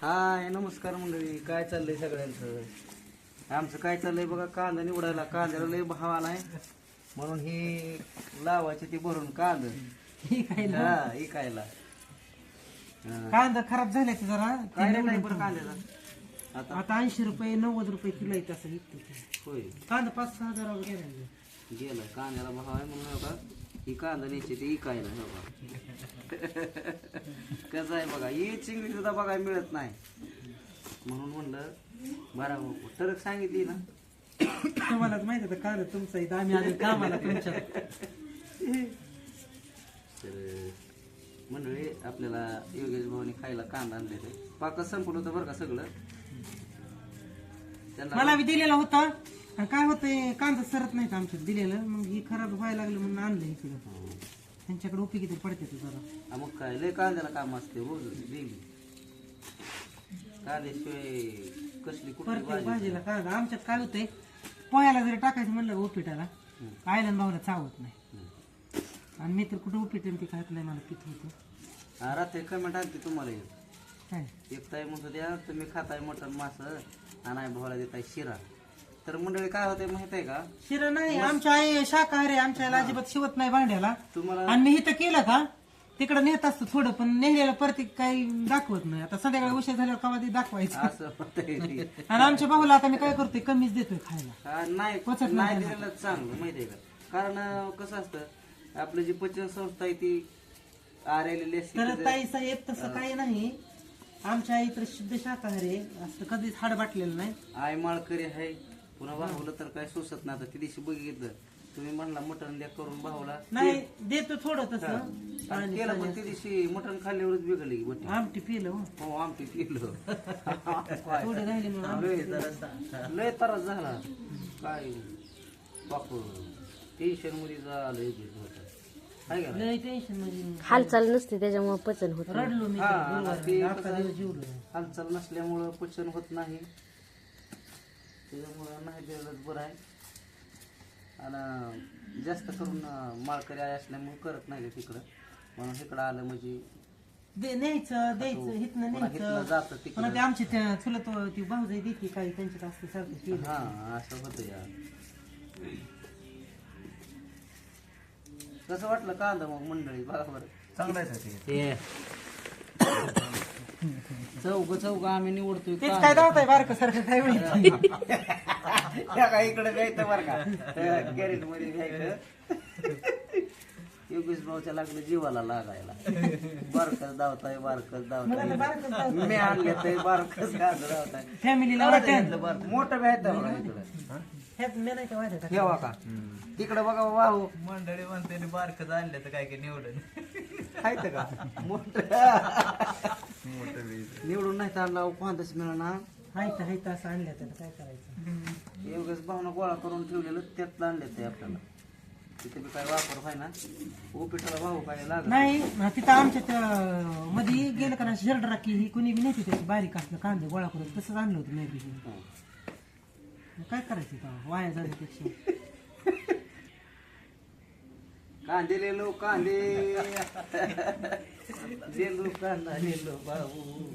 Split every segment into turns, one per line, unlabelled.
हाय नमस्कार मंडळी, काय चाललंय सगळ्यांचं? आमचं काय चाललंय बघा, कांदा निवडायला. कांद्याला लय भाव आलाय म्हणून ही लावायची ती भरून कांदा इकायला.
कांदा खराब झाले ते जरा
काय नाही बरं कांद्याचा
आता 80 रुपये 90 रुपये किलो आहे तसं विकतो.
होय,
कांदा 5-6 हजारावर गेला.
गेला कांद्याला भाव आहे म्हणून बघा ही कांदा न्यायची ती इकायला. कसं आहे बघा, ही चिंगडी सुद्धा बघायला मिळत नाही म्हणून म्हणलं बरा टरक सांगितली ना.
तुम्हाला माहिती आहे कांदा तुमचा इथं, आम्ही आधी कामाला तुमच्या.
तर मंडळी आपल्याला योगेश भाऊनी खायला कांदा आणले ते पाकच संपलं होतं बरं का सगळं.
मला बी दिलेला होता आणि काय होतंय कांदा सरत नाही आमच्यात दिलेलं, मग ही खराब व्हायला लागलं म्हणून आणलं इकडं. त्यांच्याकडे उपयोगी ते पडते तू जरा.
मग काय लय कांद्याला काम असते रोज डेली. कांद्याशिवाय कसली कुठली
प्रत्येक भाजीला कांदा. आमच्यात काय होतंय, पोह्याला जरी टाकायचं म्हणलं उपीटाला आयलन भाऊला चावत नाही. आणि मी तर कुठं उपीट ते खात नाही, मला पित होतं.
रात्री कमेंट आणते तुम्हाला
काय
एक ताई म्हणतो द्या तुम्ही खाताय मटण मास आणि भावाला देताय शिरा. तर मंडळी काय होते माहित आहे का,
शिरा नाही आमच्या आई शाकाहारी, आमच्या आईला अजिबात शिवत नाही भांड्याला.
तुम्हाला
आणि मी इथं केलं का तिकडे नेत असतो थोडं, पण नेलेलं प्रत्येक काही दाखवत नाही. आता संध्याकाळी उशीर झाल्यावर कवा ते दाखवायचं.
असं होतंय ते.
आणि आमच्या भाऊला आता मी काय करतोय, कमीच देतोय खायला.
नाही
पचत
नाही
नाही
दिलेलं चांगलं माहितीये का, कारण कसं असतं आपलं जी पचन संस्था आहे ती आरेलेली
तर
असते.
ताई साहेब तसं काही नाही, आमच्या आई तर शुद्ध शाकाहारी आहे, असं कधीच हाड बाटलेलं नाही.
आय माळकरी आहे, पुन्हा भावलं तर काय सोसत नाही. आता त्या दिवशी बघितलं तुम्ही म्हणला मटण द्या करून भावला
नाही देतो थोडं तसं.
आणि केलं, पण त्या दिवशी मटण खाल्ल्यावरच बिघडली की बटी.
आमटी पिलं हो.
हो आमटी पिलं.
थोडं राहिले म्हणून आमटी
लय त्रास झाला काय बाप, टेन्शन मध्ये झालं होत.
लय टेन्शन म्हणजे
हालचाल नसते त्याच्यामुळे पचन होत नाही.
रडलो मी
हालचाल नसल्यामुळं पचन होत नाही, त्याच्यामुळं नाही दिलं बरं आहे. आणि जास्त करून माळकरी आई असल्यामुळे करत नाही तिकडं, म्हणून इकडं आलं म्हणजे
न्यायचं द्यायचं हिथनं न्यायचं.
जातं तिकडं.
पण ते आमची त्या चुलत ती भाऊजाई देते काही त्यांच्यात असते सारखं केलं.
हा असं होतं यार. कसं वाटलं कांदा मग मंडळी बघा बरं? चांगलं चौक आम्ही निवडतोय.
तेच काय दावताय बारकं सारखं काय माहिती.
इकडे घ्यायचं बरं का, कॅरेट मध्ये घ्यायचं. योगेश भाऊच्या लागलं जीवाला लागायला. बारकच धावताय बारकच धावताय, मी आणले तर बारकच धावताय.
फॅमिलीला
मोठं घ्यायचं बघा इकडं. ठेवा का तिकडे बघा वाहू
मंडळी म्हणते बारकच आणलं तर काय काय निवडून
खायचं का मोठ निवडून नाही चालला कोणताच मिळणार.
हायत असं आणलं त्याला काय करायचं.
योगेश भावना गोळा करून ठेवलेलं त्यातलं आणले ते आपल्याला. तिथे बी काय वापर व्हाय ना, उपीटाला भाऊ काय लागत
नाही. तिथं आमच्या त्या मध्ये गेलं का ना शर्ट राखी ही कोणी बी नेते त्याची बारीक असलं कांदे गोळा करून तसंच आणलं होतं नाही बी. काय करायचं का वाया जाण्यापेक्षा.
कांदे लेलो कांदे लेलो कांदा लेलो भाऊ.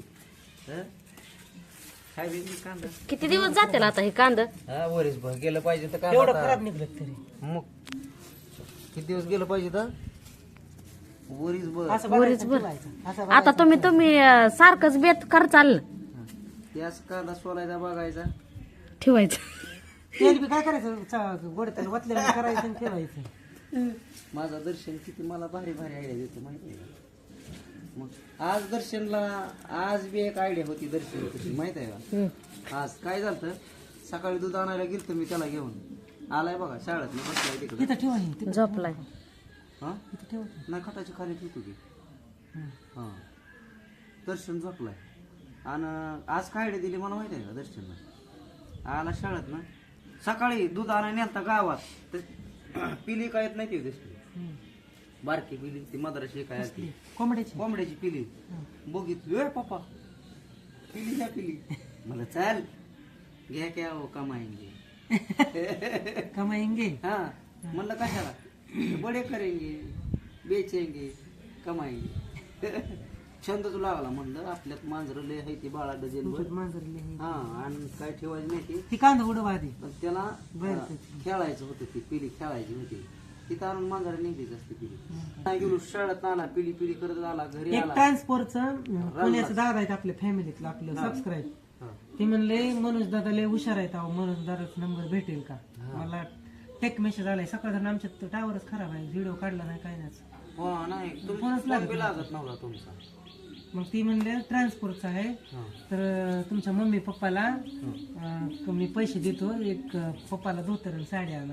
खायला कांदा
किती दिवस जातील आता हे कांदा?
हा वरीस भर गेलं पाहिजे तर काय
एवढं
आता?
खराब निघलं तरी
मग किती दिवस गेलं पाहिजे तर वरीस भर.
असं बघायचं, ठेवायचं. असं
आता तुम्ही सारखंच बेत कर चाललं
त्याच कांदा सोलायचा बघायचा.
ठेवायचं.
तेल बी काय करायचं, गोड तेल वतलेलं करायचं आणि ठेवायचं.
माझा दर्शन किती मला भारी भारी आयडिया देतो माहिती आहे का. मग आज दर्शनला आज बी एक आयडिया होती दर्शन कशी माहित आहे का. आज काय झालं, सकाळी दूध आणायला गेलतो मी त्याला घेऊन. आलाय बघा शाळेत मी बसलाय तिकडे.
इथं ठेवा हे, तिथं
झोपलाय.
हा
इथं ठेवा.
नाही खटाची खाली ठेवतो की. हा दर्शन झोपलाय. आणि आज काय आयडिया दिली मला माहिती आहे का दर्शनला. आला शाळेत ना सकाळी दूध आणायला नेलता गावात, तर पिली काय येत नाही ती दिसली बारकी पिली ती मद्राशी काय असते
कोंबड्याची.
कोंबड्याची पिली. बघितली पप्पा पिली ह्या पिली. मला चाल घ्या क्या हो कमाएंगे.
कमाएंगे.
हा म्हणलं कशाला, बडे करेंगे बेचेंगे कमाएंगे. छंदच लागला म्हणलं आपल्यात मांजरं लय आहे ती बाळा डझन
तुमच्यात मांजरले हे.
हा आणि काय ठेवायचं नाही ते
ती कांदा उडव आधी
पण त्याला
बाहेर
खेळायचं होतं ती पिली खेळायची होती तिथं आणून मांजरा नेहमीच असते पिली नाही गेलो शाळेत आला पिली पिली करत आला घरी
एक
आला
ट्रान्सपोर्टचं पुण्याचं दादा आहेत आपल्या फॅमिलीतलं आपलं सबस्क्राईब
हा.
ते म्हणले मनोज दादा लय हुशार आहेत अहो मनोज दादाचा नंबर भेटेल का मला टेक मेसेज आलाय सकाळ आमच्यात टावरच खराब आहे व्हिडिओ काढला नाही काय नाही
हो नाही
फोनच
तुम्ही
लागत
लागत नव्हता तुमचा
मग ती म्हणले ट्रान्सपोर्टचा आहे
हा.
तर तुमच्या मम्मी पप्पाला मी पैसे देतो एक पप्पाला धोतर आणि साडी आणा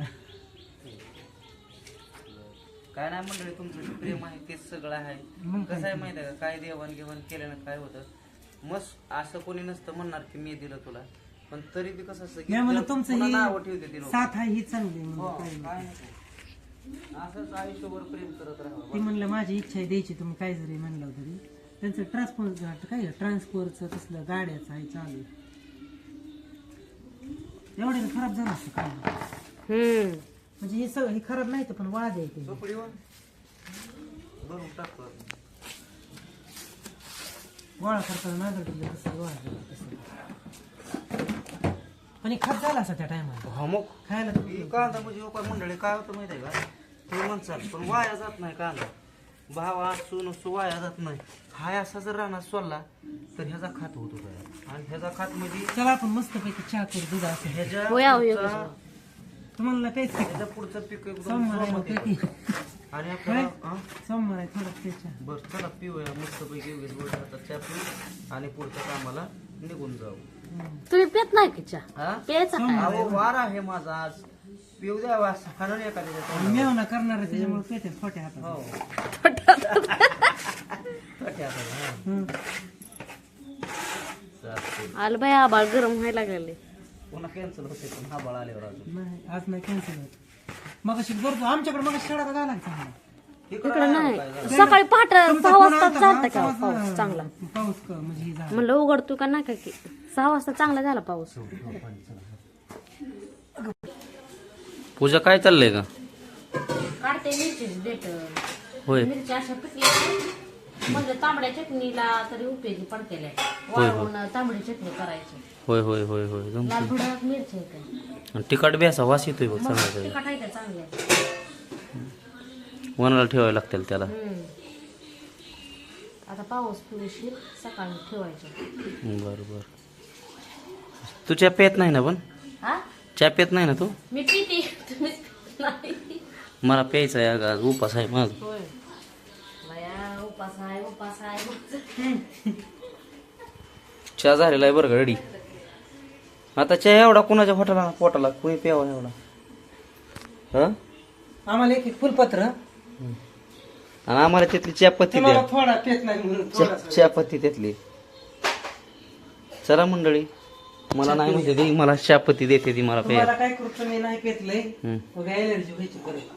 काय नाही मंडळी तुमचं जे प्रेम आहे तेच सगळं आहे
मग काय
कसं आहे माहिती आहे का काय देवाणघेवाण केल्यानं काय होतं मस्त असं कोणी नसतं म्हणणार की मी दिलं तुला पण तरी बी कसं असतं की
मी म्हणलं
जर
तुमचं
पुन्हा
ही
नावं ठेवते ती लोक
साथ आहे ही चांगली आहे
हो,
म्हणलं काय नाही.
काय नाही असंच आयुष्यभर प्रेम करत
ती
राहा
म्हणलं माझी इच्छा आहे द्यायची तुम्ही काय जरी म्हणलं तरी त्यांचं ट्रान्सपोर्टचं तसलं गाड्याचं आहे चालू एवढे खराब झालं असतं काय म्हणजे हे सगळं हे खराब नाही तर पण वाळा द्यायचे
झोपडीवर भरून टाकतो आपण.
गोळा करताना नागरिक कसं गोळा केलं तसं पण हे खात झाला असं त्या टायमाला
हा मग
खायला
ही कांदा म्हणजे हो काय मंडळी काय होतं माहिती आहे का तुम्ही म्हणसाल पण वाया जात नाही कांदा भावा सून वाया जात नाही हा असा जर राहणार सोडला तर ह्याचा खात होतो काय आणि ह्याचा खात म्हणजे
चला आपण मस्त पैकी चहा करू दूध असं
ह्याच्या
होय, होय,
पुढचा-
तुम्हाला प्यायचं
ह्याच्या पुढचं पीक एकदम
सोमवार आहे
जोमात
पैकी
येतं. आणि आपल्याला हा?
सोमवार आहे थोडं प्यायचं
बरं चला पिऊया मस्त पैकी उगीच वर्षाचा चहा पिऊ आणि पुढच्या कामाला निघून जाऊ
तुम्ही पेत नाही की चहा
हा
प्यायचा काय
अहो वार आहे माझा आज पिऊ द्यावा खाणं एखाद्या
मेवना करणार आहे त्याच्यामुळे पेटे छोट्या हातात
हो छोट्या हाताला, हा.
हम्म.
चालतंय.
आलं बाई आबाळ गरम व्हायला लागले
पुन्हा कॅन्सल होते पण हा बळ आल्यावर अजून
नाही आज नाही कॅन्सल होत मग करतो आमच्याकडे मग शाळा का झाला चांगला
इकडं नाही सकाळी पहाट 6 वाजता चालतं का पाऊस चांगला
पाऊस म्हणजे हे झाला
म्हणलं उघडतो का नाही की 6 वाजता चांगला झाला पाऊस
पूजा काय चाललंय का
काढते मिरची देत
होय
मिरची अशा पिकल्या म्हणजे तांबड्या चटणीला तरी उपयोगी पडतेल्या वाळवून तांबडी चटणी करायची
होय होय होय होय जमतं.
लाल भडक मिरची आहे
आणि तिखट बी असा वास येतोय बघ चांगला
ते काढायचं चांगल्या
वनाला ठेवायला लागतील त्याला
आता पाऊस पुरेशीर सकाळी ठेवायचं
बर बर तू चहा पेत नाही ना पण
हा
चहा पेत नाही ना तू
मी पिते तुम्ही नाही
मला प्यायचा आहे आज उपास आहे माझ
होय बाया उपास आहे
चहा झालेला आहे बरं का रेडी आता चहा एवढा कोणाच्या पोटाला कोणी प्यावा एवढा हा
आम्हाला एक फुलपत्र
आणि आम्हाला त्यातली चहापत्ती
तुम्हाला
द्या
थोडा पेत नाही म्हणून थोडासा.
चहापत्ती त्यातली चला मंडळी मला नाही म्हणते ती मला चहापत्ती देते ती मला प्यायला
तुम्हाला काय करू मी नाही पेतलंय
हम्म.
मग एलर्जी व्हायची परत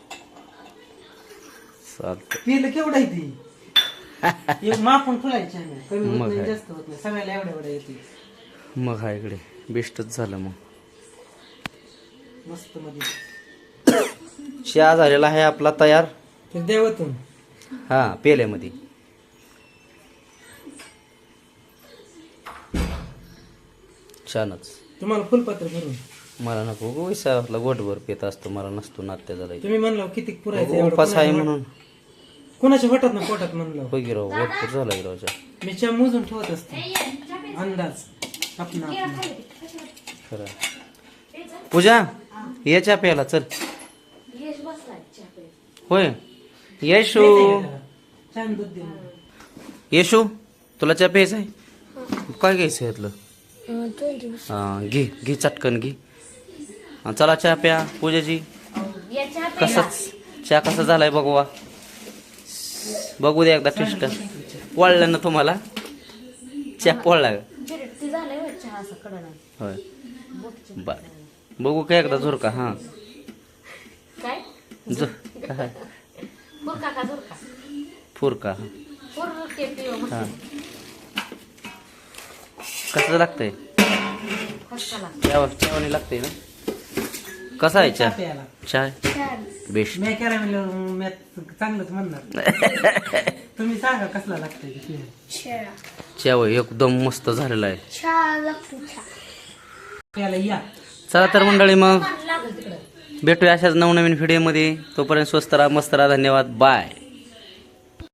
चालतं
पिलं केवढं आहे ती एक मापून फुलायची आम्ही कमी होत
मग
नाही
काय.
जास्त होत नाही सगळ्याला एवढ्या एवढ्या येते
मग हा इकडे बेस्टच झालं मग
मस्त मध्ये
चहा झालेला आहे आपला तयार
तर देवातून
हा पेल्यामध्ये छानच
तुम्हाला फुलपत्र भरून
मला नको वैसाला गोटभर पेत असतो मला नसतो नात्या झाला
तुम्ही म्हणलं किती पुरायचं एवढं
उपास आहे म्हणून
कोणाच्या होतात ना पोटात म्हणलं
होय गिराव गोटभर झाला गिरावच्या
मी चहा मोजून ठेवत असते अंदाज आपण
खरं पूजा ये चहा प्यायला चल होय येशू
छान दूध दे
येशू तुला चहा प्यायचा आहे काय घ्यायचं यातलं हा घे घे चटकन घे हा, चला चहा प्या पूजाजी कसाच चहा कसा झालाय बघवा बघू दे एकदा टेस्ट पोळलं ना तुम्हाला चहा पोळला का होय बर बघू काय एकदा झुरका हा
काय
काय
फुरका का झुरका
फुरका
फुरके पिव
हा कसं लागतंय
कशाला
चहावानी लागतंय ना कसा आहे
चहा
चहा
प्यायला
चहा बेस्ट
मी केला म्हणलं मी चांगलंच म्हणणार तुम्ही सांगा कसला लागतंय ते पियाला.
चहा होय, एकदम मस्त झालेला आहे.
प्यायला या
चला तर मंडळी मग
लागेल तिकडं
भेटूया अशाच नवनवीन व्हिडिओमध्ये. तोपर्यंत स्वस्त राहा, मस्त राहा. धन्यवाद. बाय.